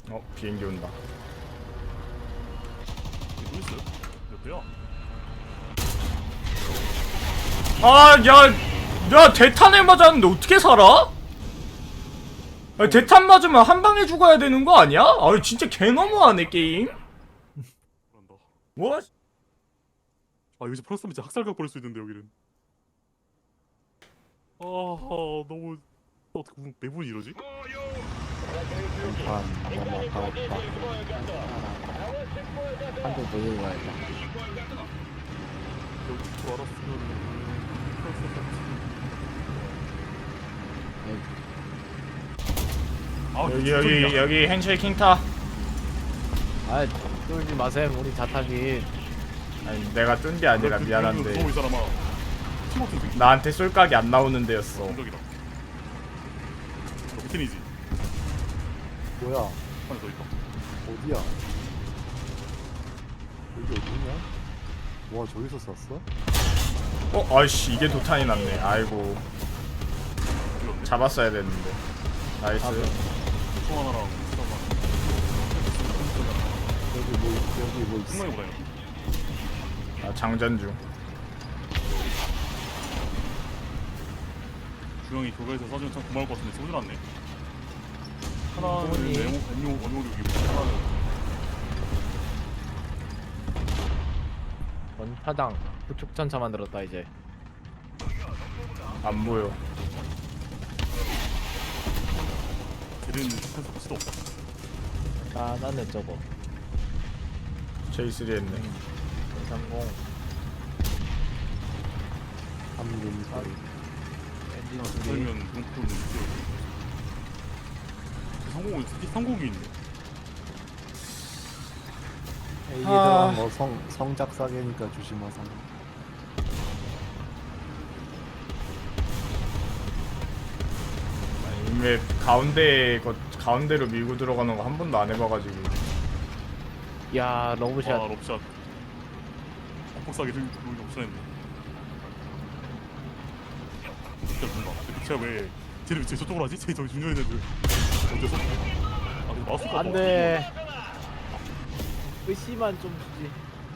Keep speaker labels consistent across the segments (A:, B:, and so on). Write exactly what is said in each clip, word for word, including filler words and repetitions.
A: 어, 비행기 온다.
B: 뭐 있어요? 몇 대야?
A: 아, 야, 야, 대탄을 맞았는데 어떻게 살아? 아니, 대탄 맞으면 한 방에 죽어야 되는 거 아니야? 아, 진짜 개 너무하네 게임.
B: 그런다.
A: 뭐?
B: 아 여기서 플러스면 진짜 학살각 벌일 수 있는데 여기는. 아 너무 어떻게 무슨 매분이 이러지?
C: 반 넘어가겠다. 한대 더 들고 가야겠다.
B: 여기 줄 알았으면 아
A: 여기 여기 여기 핸쉐이킹 타.
C: 아, 쫄지 마셈. 우리 자타기.
A: 아니, 내가 뜬 게 아니라 미안한데
B: 이 사람아. 팀워크 되게
A: 나한테 쏠각이 안 나오는 데였어.
B: 공격이다. 너 미친이지?
C: 뭐야?
B: 하나 더 있다.
C: 어디야? 여기 어디냐? 와, 저기서 쐈어?
A: 어, 아이씨, 이게 도탄이 났네. 아이고,
B: 이건데.
A: 잡았어야 됐는데. 나이스.
C: 아, 네.
B: 총 하나랑 수다가
C: 여기 뭐, 있- 여기 뭐 있어?
B: 승마이 보다요.
A: 아, 장전 중.
B: 주영이 교회에서 사주면 참 고마울 것 같은데 소주 났네. 하나는
C: 뭐니?
B: 네모 원용 원용력이고 하나는
C: 원파당 부축전차 만들었다 이제.
A: 안 보여.
B: 제대는 센서 수도 없다.
C: 아, 나는 저거
A: 제이 쓰리 했네.
C: 삼십 삼 엔진 소리.
B: 살면 용품은 있어요. 성공은 성공이 있네.
C: 이게
A: 아.
C: 들어간 거 성, 성작 사계니까 조심하세요.
A: 아니, 왜 가운데 거 가운데로 밀고 들어가는 거 한 번도 안 해봐가지고.
C: 야, 러브샷.
B: 아 럽샷. 폭삭이 좀 여기 없어졌네. 진짜 뭔가. 근데 제가 왜 쟤를 제 저쪽으로 하지? 쟤 저기 중요한 애들. 어째서? 아 근데 마우스가
C: 안 돼. 의심만 좀 주지.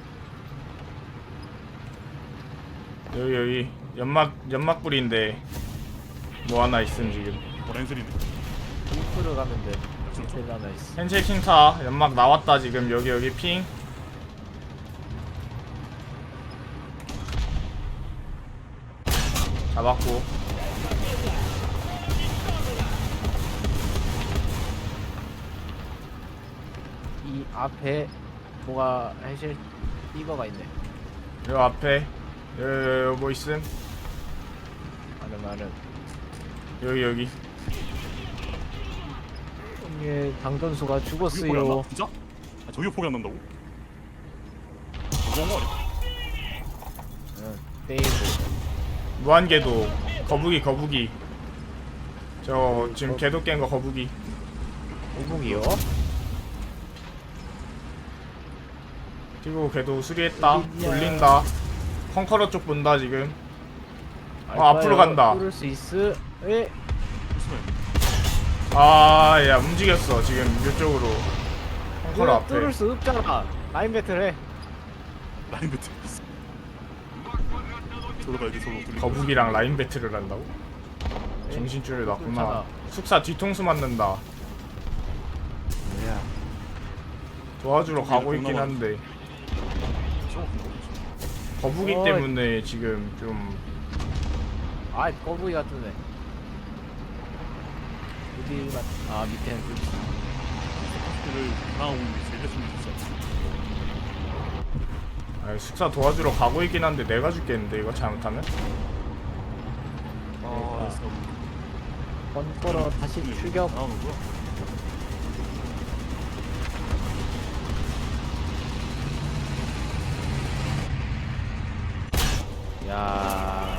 A: 여기 여기 연막 연막 뿌리인데 뭐 하나 있음 지금.
B: 뭐 랜슬이네.
C: 울프를 가면 돼.
B: 그렇죠.
C: 제일 하나 있어.
A: 핸쉐이킹 타. 연막 나왔다 지금. 여기 여기 핑. 잡았고.
C: 이 앞에 뭐가 해실 이거가 있네.
A: 요 앞에 여기, 여기 뭐 있음?
C: 많은 말은.
A: 여기 여기.
C: 이게 당전수가
B: 저기 포기 안
C: 죽었어요.
B: 나? 진짜? 아 저기 포기 안 난다고? 너무한 거 아니야?
C: 응. 데이브.
A: 무한궤도. 거북이 거북이. 저 지금 궤도 깬 거 거북이.
C: 오북이요?
A: 그리고 궤도 수리했다.
C: 어딨냐.
A: 돌린다. 펑커러 쪽 본다 지금. 어, 앞으로 간다.
C: 뚫을 수 있어. 에?
B: 무슨
A: 아, 야 움직였어 지금 이쪽으로. 펑커러
C: 뚫-
A: 앞에.
C: 뚫을 수 없잖아. 라인 배틀 해.
B: 라인 배트. 저로 가야 돼 저로. 돌리고.
A: 거북이랑 라인 배틀을 한다고? 정신줄을 놨구나.
C: 괜찮아.
A: 숙사 뒤통수 맞는다.
C: 야.
A: 도와주러
B: 저기
A: 가고
B: 이렇게
A: 있긴
B: 올라가는
A: 한데
B: 저거
A: 거북이
C: 어이.
A: 때문에 지금 좀
C: 아, 거북이 같은데. 어디 맞? 아, 밑에는 뚫.
B: 를 당하고 있는 게 제일 했으면 좋겠어.
A: 아, 숙사 도와주러 가고 있긴 한데 내가 죽겠는데 이거 잘못하면?
B: 아, 알았어.
C: 번거로 다시 출격.
B: 나오는 거야?
C: 야.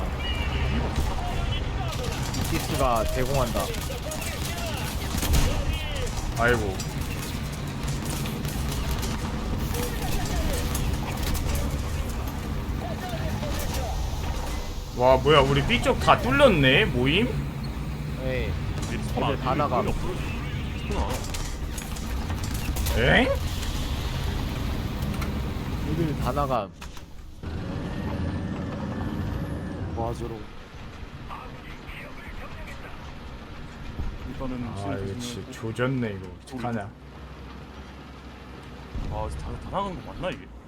C: 이티스가 대공한다.
A: 아이고. 와 뭐야 우리 B쪽 다 뚫렸네 모임?
C: 에이.
B: 내 스폰
C: 애들
B: 안
C: 다 나가.
B: 스폰 안
A: 엥?
C: 여길 다 나가.
B: 맞으러. 일단은
A: 아
B: 시를
A: 이거
B: 조심해.
A: 진짜 조졌네 이거 어떡하냐.
B: 아, 다, 다 나가는 거 맞나 이게?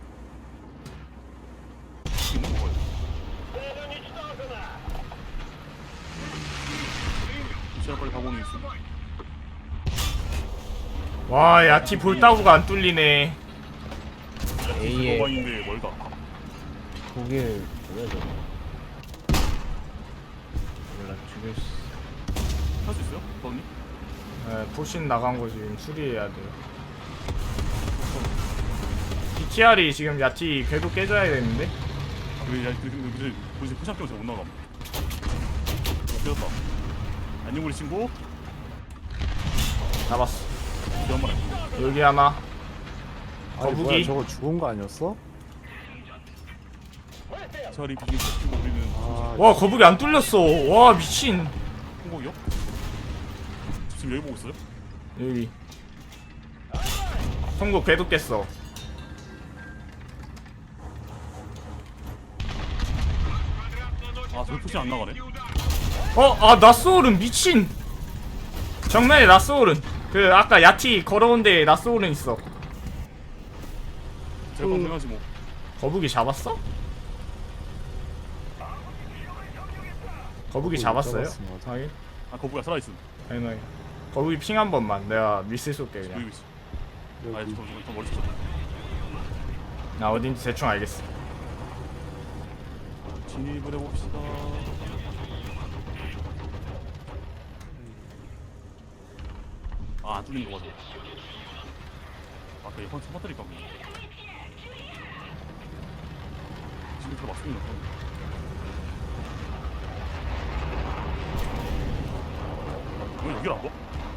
B: 있는 거 봐요. 시간 빨리 가보는 있어.
A: 와 야티 볼따구가 안 뚫리네.
C: A에
B: 도망인데 멀다.
C: 독일 뭐야 저거? 몰라 죽일 수.
B: 할 수 있어요? 더니?
A: 네, 포신 나간 거 지금 수리해야 돼요. 비티알이 지금 야티 궤도 깨져야 되는데.
B: 왜, 야, 그, 그, 그, 그, 이제 포샵 때문에 못 나감. 깨졌다. 안녕우리 친구.
A: 잡았어.
B: 이한 마리.
A: 여기 하나.
D: 아니 뭐야
A: 거북이.
D: 저거 죽은 거 아니었어?
B: 차라리 비긴 시키고 우리는
D: 아
A: 와 거북이 안 뚫렸어. 와 미친.
B: 홍보기요? 지금 여기 보고 있어요?
A: 여기. 통곡 궤도 깼어.
B: 아, 저기 포시 안 나가네.
A: 어, 아 나스오른 미친. 정면에 나스오른. 그 아까 야티 걸어온데 나스오른 있어.
B: 제가 검증하지 뭐.
A: 거북이 잡았어? 거북이 잡았어요?
D: 잡았어, 맞아.
A: 확인.
B: 아, 거북이가 살아있음.
A: 당연하게. 거북이 핑 한 번만. 내가 미스 쏠게 그냥.
B: 여기 있어. 아,
D: 여기
B: 저, 저, 저 멀리 있어.
A: 나 어딘지 대충 알겠어.
B: 진입을 해봅시다. 아, 안 뚫린 거 맞아. 아까 이번 차 터뜨릴까 보네. 지금 다 맞습니다. 왜 여기를 안 봐?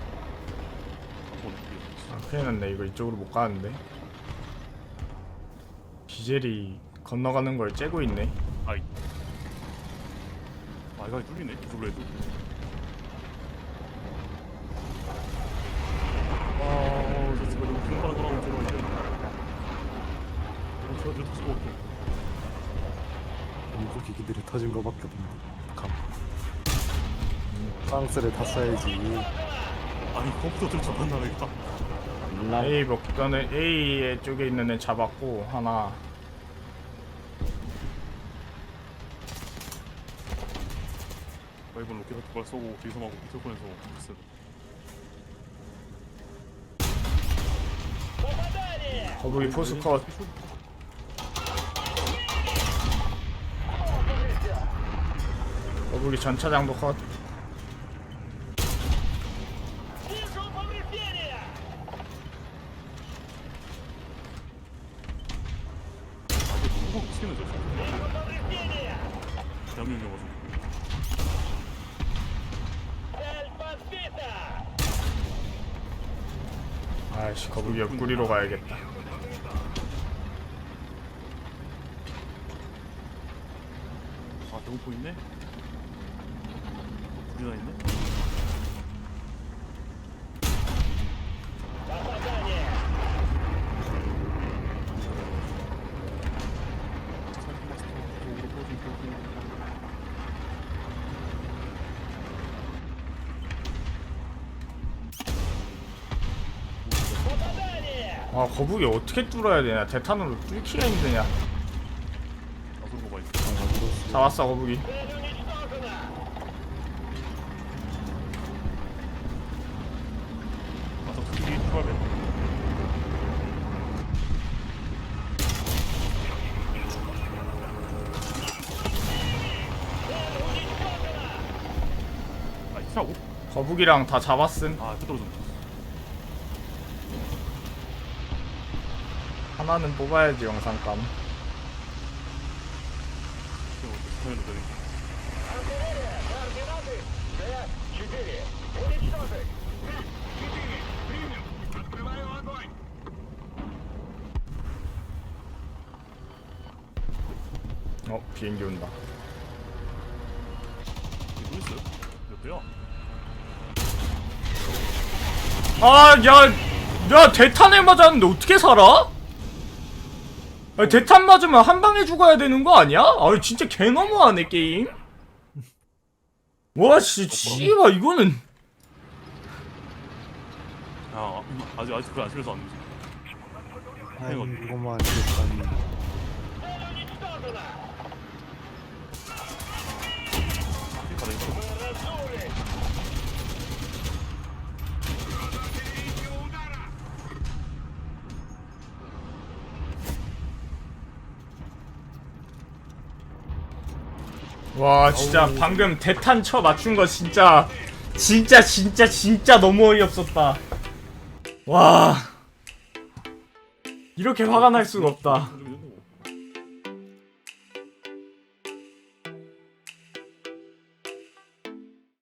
B: 안 보네.
A: 아, 큰일 났네. 이거 이쪽으로 못 가는데. 비젤이 건너가는 걸 째고 있네.
B: 아이. 아, 이거 뚫리네. 이쪽으로 해도. 아, 저 집에 너무 금방 돌아오면 저거 이제. 저, 저, 저, 저,
D: 미국 기기들이 터진 거밖에 없네. 감. 프랑스를 탔어야지.
B: 아니, 컴퓨터들 저만 나가겠다.
C: 몰라.
A: A 먹더는 A 쪽에 있는 애 잡았고 하나.
B: 이번 로켓 두발 쏘고 뒤에서 막고 비틀권에서 됐어.
A: 거북이 포스 컷. 거북이 전차장도 컷.
B: 꼭 치는 저. 대한민국이어가지고.
A: 아이씨 거북이 옆구리로 가야겠다.
B: 아, 배고프 있네? 둘이나 있네?
A: 아 거북이 어떻게 뚫어야 되냐. 대탄으로 뚫기가 힘드냐.
B: 아, 그런 거 봐, 있어.
A: 잡았어 거북이.
B: 아, 저 특히 출발해. 아, 이차고?
A: 거북이랑 다 잡았음.
B: 아, 또 떨어졌네.
A: 하나는 뽑아야지 영상감.
B: 화면으로 되는
A: 어 비행기 온다.
B: 이게 뭐 있어요? 몇 대야?
A: 아 야 야 대탄에 맞았는데 어떻게 살아? 아니, 대탄 맞으면 한 방에 죽어야 되는 거 아니야? 아 진짜 개 너무하네 게임. 와 씨, 씨발 이거는.
B: 야 아직 아직 그걸 안 심해서 안 되지.
D: 아이
B: 이거.
D: 이거만 이겼다니.
B: 가다 있어.
A: 와 진짜 방금 대탄 쳐 맞춘 거 진짜 진짜 진짜 진짜 너무 어이없었다. 와 이렇게 화가 날 수가 없다.